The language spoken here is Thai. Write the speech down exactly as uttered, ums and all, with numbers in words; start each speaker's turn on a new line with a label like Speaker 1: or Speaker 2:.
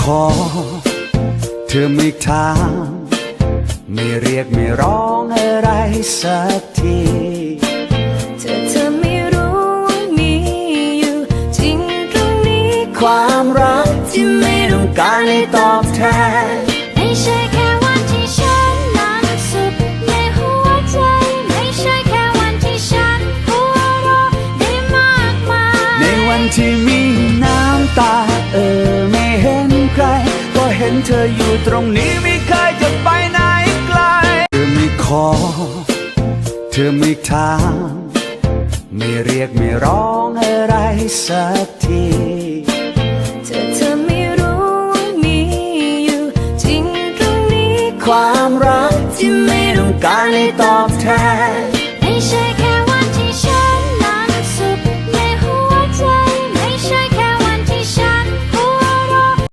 Speaker 1: อเธอไม่ถามไม่เรียกไม่ร้องอะไรสักที
Speaker 2: เธอเธอไม่รู้ว่ามีอยู่จริงตรงนี้
Speaker 1: ความรักที่ไม่ต้องการให้ตอบแทน
Speaker 2: ไม่ใช่แค่วันที่ฉันนั้นสุดในหัวใจไม่ใช่แค่วันที่ฉันหัวเราะได้มากมาย
Speaker 1: ในวันที่มีน้ำตาเออไม่เห็นใครก็เห็นเธออยู่ตรงนี้ไม่เคยจะไปไหนไกลเธอไม่ขอเธอไม่ถามไม่เรียกไม่ร้องอะไรสักที
Speaker 2: เธอเธอไม่รู้ว่ามีอยู่จริงตรงนี้
Speaker 1: ความรักที่ไม่ต้องการให้ตอบแทน